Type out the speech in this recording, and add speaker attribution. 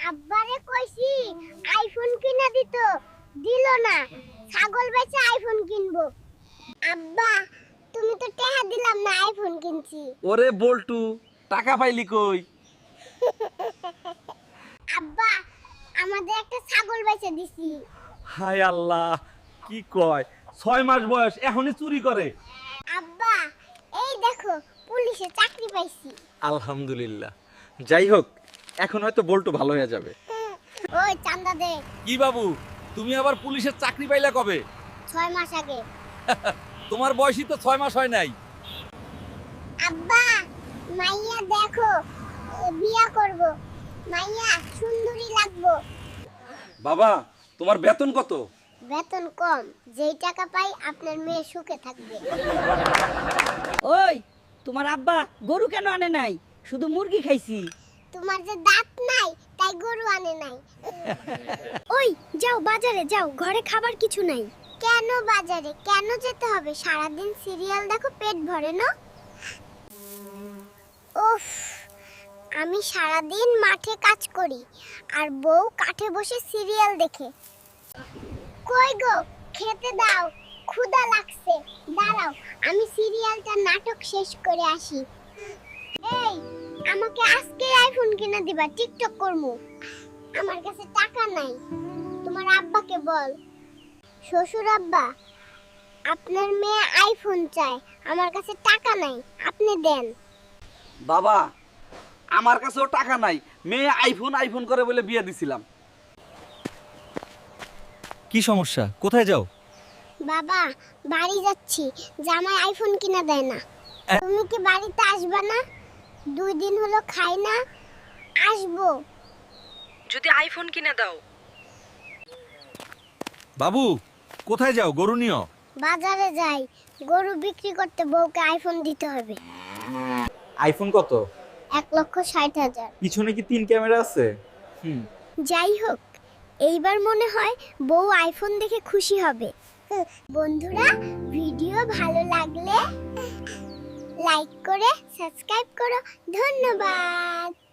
Speaker 1: আব্বারে কইছি আইফোন কিনা দিল না। ছাগল বেচে আইফোন কিনবো। আব্বা তুমি তো টাকা দিলাম না, আইফোন কিনছি।
Speaker 2: ওরে বল্টু, টাকা পাইলি কই?
Speaker 1: আব্বা আমাদের একটা ছাগল বেচে দিছি।
Speaker 2: হায় আল্লাহ, কি কয়? 6 মাস বয়স এখনই চুরি করে?
Speaker 1: আব্বা এই দেখো পুলিশে চাকরি পাইছি।
Speaker 2: আলহামদুলিল্লাহ। যাই হোক, এখন হয়তো বল্টু ভালো হয়ে যাবে।
Speaker 1: ওই চান্দা দে।
Speaker 2: কি বাবু, তুমি আবার পুলিশের চাকরি পাইলা কবে?
Speaker 1: 6 মাস আগে।
Speaker 2: তোমার বয়সই তো 6 মাস হয় নাই।
Speaker 1: আব্বা মাইয়া দেখো, বিয়া করব। মাইয়া সুন্দরী লাগবো।
Speaker 2: বাবা, তোমার বেতন কত?
Speaker 1: বেতন কম, যেই টাকা পাই আপনার মেয়ে সুখে থাকবে।
Speaker 3: ওই তোমার আব্বা গরু কেন আনে নাই, শুধু মুরগি খাইছি।
Speaker 1: তোমার যে দাঁত নাই তাই গরু আনে নাই। ওই যাও বাজারে যাও, ঘরে খাবার কিছু নাই। কেন বাজারে কেন যেতে হবে? সারাদিন সিরিয়াল দেখো, পেট ভরে না? উফ, আমি সারাদিন মাঠে কাজ করি আর বউ কাঠে বসে সিরিয়াল দেখে। কই গো, খেতে দাও, ক্ষুধা লাগছে। দাঁড়াও, আমি সিরিয়ালটা নাটক শেষ করে আসি। এই আমাকে আজকে আইফোন কিনে দিবা, টিকটক করমু। আমার কাছে টাকা নাই, তোমার আব্বাকে বল। শ্বশুর আব্বা, আপনার মেয়ে আইফোন চায়, আমার কাছে টাকা নাই, আপনি দেন।
Speaker 2: বাবা, আমার কাছেও টাকা নাই। মেয়ে আইফোন আইফোন করে বলে বিয়ে দিছিলাম। কি সমস্যা? কোথায় যাও?
Speaker 1: বাবা বাড়ি যাচ্ছি, জামাই আইফোন কিনা দেয় না। তুমি কি বাড়িতে আসবে না? 2 দিন হলো খাই না। আসবো
Speaker 3: যদি আইফোন কিনে দাও।
Speaker 2: বাবু, কোথায় যাও? গরু নিও।
Speaker 1: বাজারে যাই, গরু বিক্রি করতে বউকে আইফোন দিতে হবে।
Speaker 2: আইফোন কত?
Speaker 1: 1,60,000।
Speaker 2: পিছনে কি 3 ক্যামেরা আছে?
Speaker 1: যাই হোক, এইবার মনে হয় বউ আইফোন দেখে খুশি হবে। বন্ধুরা, ভিডিও ভালো লাগলে লাইক করে সাবস্ক্রাইব করো। ধন্যবাদ।